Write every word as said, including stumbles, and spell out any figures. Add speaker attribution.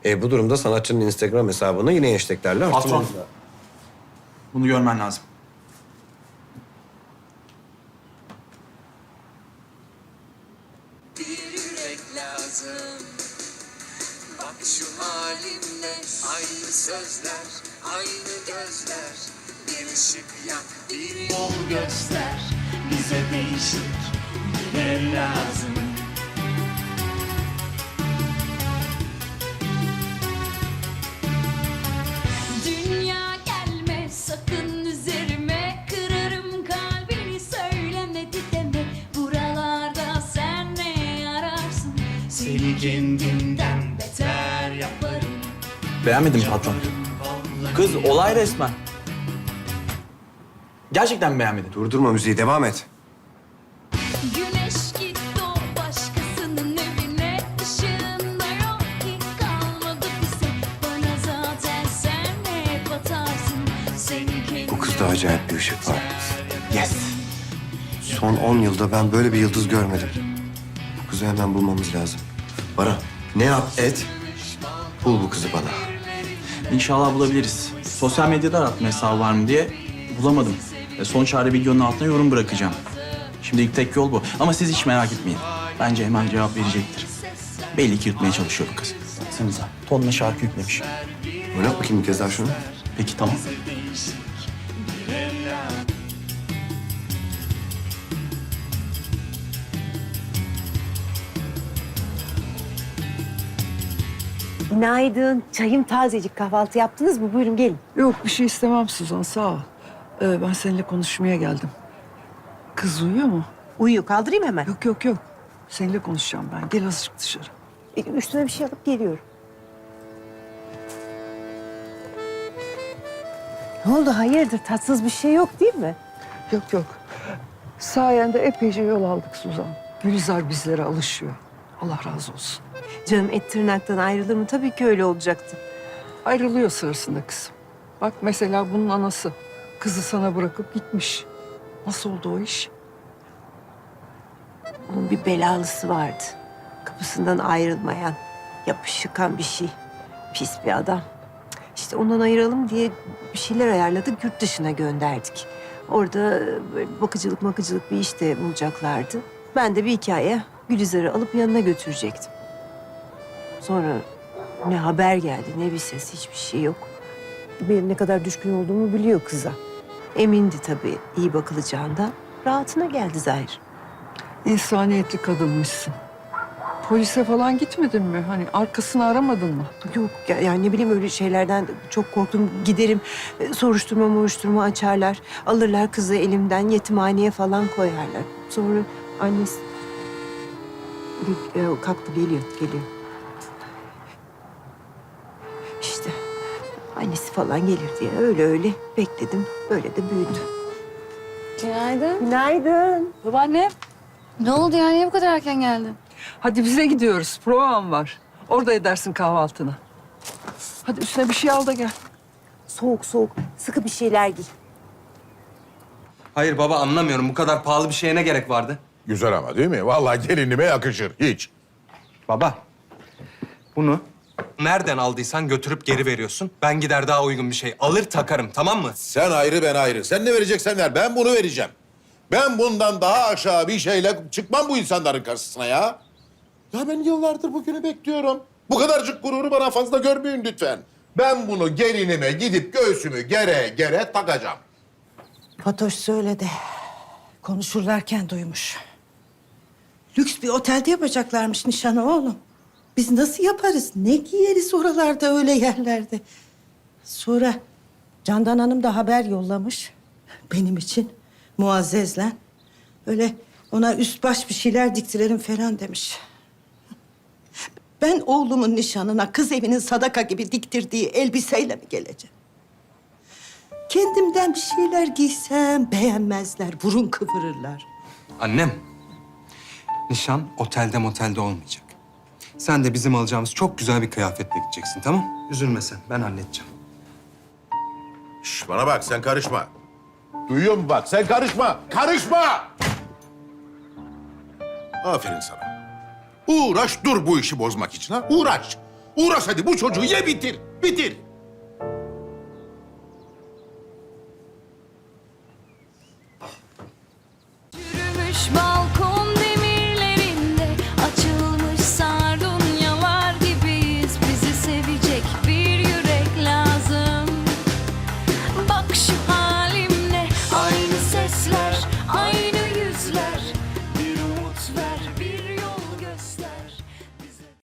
Speaker 1: E, bu durumda sanatçının Instagram hesabını yine hashtaglerle
Speaker 2: Patron.
Speaker 1: artırmamız lazım.
Speaker 2: Bunu görmen lazım.
Speaker 3: Bir yürek lazım. Bak şu halimle aynı sözler, aynı gözler. Bir ışık yak, bir yol göster. Bize değişik birileri lazım.
Speaker 4: Dünya gelme sakın üzerime, kırarım kalbini söylemedi deme. Buralarda sen ne ararsın? Seni kendimden beter yaparım.
Speaker 2: Beğenmedin mi patron? Kız olay resmen. Gerçekten beğenmedin.
Speaker 1: Durdurma müziği, devam et.
Speaker 4: Güneş gitti o başkasının evine, ışığında yok ki kalmadı bize. Bana zaten sen ne batarsın? Seni kendimden
Speaker 1: Bu kızda acayip bir ışık var.
Speaker 2: Yes.
Speaker 1: Son on yılda ben böyle bir yıldız görmedim. Bu kızı hemen bulmamız lazım. Bana ne yap et, bul bu kızı bana.
Speaker 2: İnşallah bulabiliriz. Sosyal medyada arattım hesabı var mı diye. Bulamadım. E, son çare videonun altına yorum bırakacağım. Şimdilik tek yol bu. Ama siz hiç merak etmeyin. Bence hemen cevap verecektir. Belli ki yutmaya çalışıyor bu kız. Baksanıza. Tonla şarkı yüklemiş.
Speaker 1: Oynat bakayım bir kez daha şunu.
Speaker 2: Peki tamam.
Speaker 5: Günaydın. Çayım tazecik. Kahvaltı yaptınız mı? Buyurun gelin.
Speaker 6: Yok bir şey istemem Suzan sağ ol. Ee, ben seninle konuşmaya geldim. Kız uyuyor mu?
Speaker 5: Uyuyor. Kaldırayım hemen.
Speaker 6: Yok yok yok. Seninle konuşacağım ben. Gel azıcık dışarı.
Speaker 5: E, Üstüne bir şey alıp geliyorum. Ne oldu? Hayırdır? Tatsız bir şey yok değil mi?
Speaker 6: Yok yok. Sayende epeyce yol aldık Suzan. Gülizar bizlere alışıyor. Allah razı olsun.
Speaker 5: Canım et tırnaktan ayrılır mı? Tabii ki öyle olacaktı.
Speaker 6: Ayrılıyor sırasında kızım. Bak mesela bunun anası. Kızı sana bırakıp gitmiş. Nasıl oldu o iş?
Speaker 5: Onun bir belalısı vardı. Kapısından ayrılmayan, yapışıkan bir şey. Pis bir adam. İşte ondan ayıralım diye bir şeyler ayarladık, yurt dışına gönderdik. Orada böyle bakıcılık makıcılık bir iş de bulacaklardı. Ben de bir hikaye Gülizar'ı alıp yanına götürecektim. Sonra ne haber geldi, ne bir ses, hiçbir şey yok. Benim ne kadar düşkün olduğumu biliyor kıza. Emindi tabii iyi bakılacağından. Rahatına geldi Zahir.
Speaker 6: İnsaniyetli kadınmışsın. Polise falan gitmedin mi? Hani arkasını aramadın mı?
Speaker 5: Yok ya, yani ne bileyim öyle şeylerden çok korktum. Giderim e, soruşturma moruşturma açarlar. Alırlar kızı elimden yetimhaneye falan koyarlar. Sonra annesi... Gel- e, kalktı geliyor geliyor. İşte annesi falan gelir diye öyle öyle bekledim. Böyle de büyüdü.
Speaker 7: Günaydın.
Speaker 5: Günaydın.
Speaker 7: Babaanne. Ne oldu yani? Niye bu kadar erken geldin?
Speaker 6: Hadi bize gidiyoruz. Provam var. Orada edersin kahvaltını. Hadi üstüne bir şey al da gel.
Speaker 5: Soğuk soğuk sıkı bir şeyler giy.
Speaker 8: Hayır baba anlamıyorum. Bu kadar pahalı bir şeye ne gerek vardı?
Speaker 9: Güzel ama değil mi? Vallahi gelinime yakışır. Hiç.
Speaker 8: Baba, bunu nereden aldıysan götürüp geri veriyorsun. Ben gider daha uygun bir şey alır takarım, tamam mı?
Speaker 9: Sen ayrı, ben ayrı. Sen ne vereceksen ver. Ben bunu vereceğim. Ben bundan daha aşağı bir şeyle çıkmam bu insanların karşısına ya. Ya ben yıllardır bugünü bekliyorum. Bu kadarcık gururu bana fazla görmeyin lütfen. Ben bunu gelinime gidip göğsümü gere gere takacağım.
Speaker 10: Fatoş söyledi. Konuşurlarken duymuş. Lüks bir otelde yapacaklarmış nişanı oğlum. Biz nasıl yaparız? Ne giyeriz oralarda öyle yerlerde? Sonra Candan Hanım da haber yollamış. Benim için Muazzez'le. Öyle ona üst baş bir şeyler diktirelim falan demiş. Ben oğlumun nişanına kız evinin sadaka gibi diktirdiği elbiseyle mi geleceğim? Kendimden bir şeyler giysem beğenmezler, burun kıvırırlar.
Speaker 8: Annem, nişan otelde motelde olmayacak. Sen de bizim alacağımız çok güzel bir kıyafetle gideceksin, tamam? Üzülme sen, ben halledeceğim.
Speaker 9: Şş, bana bak, sen karışma. Duyuyor musun bak, sen karışma. Karışma! Aferin sana. Uğraş dur bu işi bozmak için ha, uğraş. Uğraş hadi bu çocuğu ye bitir. Bitir.
Speaker 4: Yürümüş balkon